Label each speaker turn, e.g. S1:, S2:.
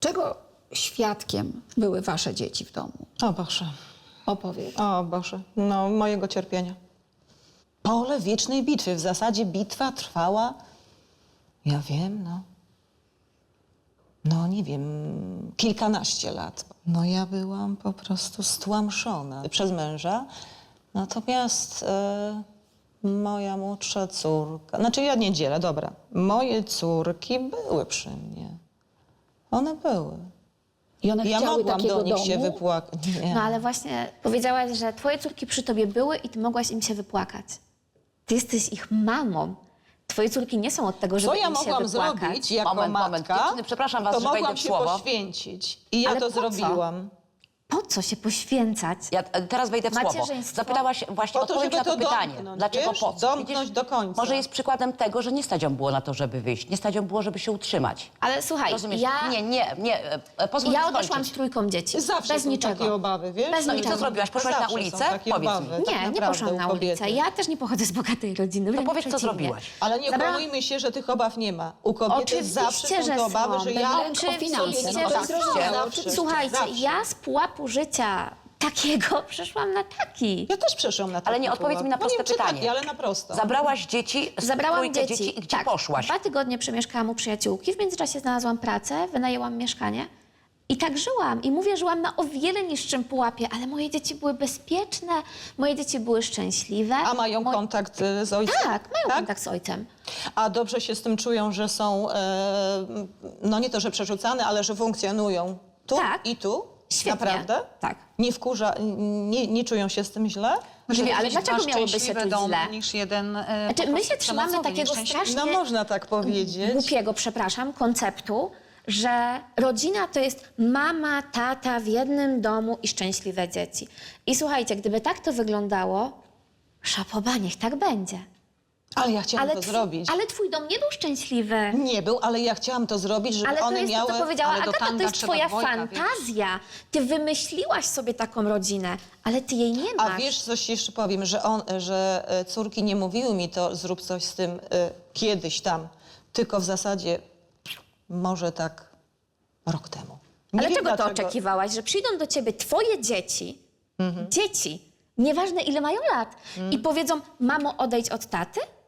S1: Czego świadkiem były wasze dzieci w domu?
S2: O Boże,
S1: Opowiedz.
S2: o Boże, no mojego cierpienia. Pole wiecznej bitwy. W zasadzie bitwa trwała, ja wiem, no nie wiem, kilkanaście lat. No ja byłam po prostu stłamszona przez męża. Natomiast moja młodsza córka, znaczy ja nie dzielę, dobra. Moje córki były przy mnie. One były.
S1: I one
S2: Ja
S1: chciały
S2: mogłam
S1: takiego
S2: do nich
S1: domu?
S2: się wypłakać. Nie.
S3: No ale właśnie powiedziałaś, że twoje córki przy tobie były i ty mogłaś im się wypłakać. Ty jesteś ich mamą. Twoje córki nie są od tego, żeby
S2: Co ja
S3: im się
S2: mogłam
S3: wypłakać.
S2: zrobić jako
S4: Moment.
S2: matka,
S4: Dziewczyny, przepraszam was,
S2: to
S4: że wejdę
S2: mogłam
S4: w
S2: się
S4: słowo.
S2: poświęcić. I ja
S3: Ale
S2: to
S3: po co?
S2: zrobiłam.
S3: Po co się poświęcać?
S4: Ja teraz wejdę w słowo.
S3: Macierzyństwo.
S4: Zapytałaś właśnie,
S2: Po to,
S4: odpowiedź
S2: żeby
S4: na to
S2: to
S4: pytanie.
S2: domknąć,
S4: Dlaczego
S2: wiesz?
S4: po co?
S2: Domknąć do końca.
S4: Może jest przykładem tego, że nie stać ją było na to, żeby wyjść. Nie stać ją było, żeby się utrzymać.
S3: Ale słuchaj,
S4: Rozumiesz?
S3: ja
S4: Pozwól mi
S3: odeszłam z
S4: skończyć.
S3: trójką dzieci.
S2: Zawsze
S3: bez
S2: są
S3: niczego.
S2: takie obawy, wiesz?
S3: Bez
S4: No i
S3: niczego.
S4: co zrobiłaś? Poszłaś na
S2: Zawsze są
S4: ulicę?
S2: takie
S4: Powiedz mi.
S2: obawy, tak
S3: Nie, nie
S2: naprawdę,
S3: poszłam na
S2: u kobiety.
S3: ulicę. Ja też nie pochodzę z bogatej rodziny. wręcz
S4: powiedz, co
S3: przeciwnie.
S4: zrobiłaś.
S2: Ale nie
S3: Zabrałam-
S2: okłamujmy się, że tych obaw nie ma. U kobiety
S3: Oczywiście,
S2: zawsze są te obawy,
S3: są.
S2: że ja...
S1: Oczywiście,
S3: Oczywiście,
S1: no
S3: że
S1: tak,
S3: są.
S2: zawsze.
S3: Słuchajcie,
S2: Zawsze.
S3: ja z pułapu życia takiego przeszłam na taki.
S2: Ja też przeszłam na to.
S4: Ale nie, odpowiedz mi na proste
S2: nie wiem, czy
S4: pytanie.
S2: Taki, ale na prosto.
S4: Zabrałaś dzieci,
S3: Zabrałam
S4: trójkę
S3: dzieci.
S4: i gdzie
S3: tak,
S4: poszłaś?
S3: 2 tygodnie przemieszkałam u przyjaciółki. W międzyczasie znalazłam pracę, wynajęłam mieszkanie. I tak żyłam. I mówię, żyłam na o wiele niższym pułapie, ale moje dzieci były bezpieczne, moje dzieci były szczęśliwe.
S2: A mają kontakt z ojcem?
S3: Tak, mają kontakt z ojcem.
S2: A dobrze się z tym czują, że są, no nie to, że przerzucane, ale że funkcjonują tu
S3: Tak.
S2: i tu?
S3: Świetnie.
S2: Naprawdę?
S3: Tak.
S2: Nie wkurza, nie czują się z tym źle?
S3: Nie, ale dlaczego
S5: masz
S3: miałoby się
S5: szczęśliwy
S3: czuć
S5: dom
S3: źle?
S5: niż jeden
S3: Znaczy, my się trzymamy takiego strasznie
S2: No można tak powiedzieć.
S3: głupiego, przepraszam, konceptu, że rodzina to jest mama, tata w jednym domu i szczęśliwe dzieci. I słuchajcie, gdyby tak to wyglądało, szapoba, niech tak będzie.
S2: Ale ja chciałam to zrobić.
S3: Ale twój dom nie był szczęśliwy.
S2: Nie był, ale ja chciałam to zrobić, żeby
S3: Ale to
S2: one
S3: jest
S2: miały...
S3: to, co powiedziała
S5: ale do
S3: Agata, to
S5: tanga
S3: jest
S5: trzeba
S3: twoja
S5: dwojga, wiesz.
S3: fantazja. Ty wymyśliłaś sobie taką rodzinę, ale ty jej nie masz.
S2: A wiesz, coś jeszcze powiem, że córki nie mówiły mi to, zrób coś z tym kiedyś tam, tylko w zasadzie może tak rok temu. Nie
S3: Ale
S2: wiem
S3: czego to
S2: dlaczego.
S3: oczekiwałaś? Że przyjdą do ciebie twoje dzieci, nieważne ile mają lat, i powiedzą, mamo, odejdź od taty?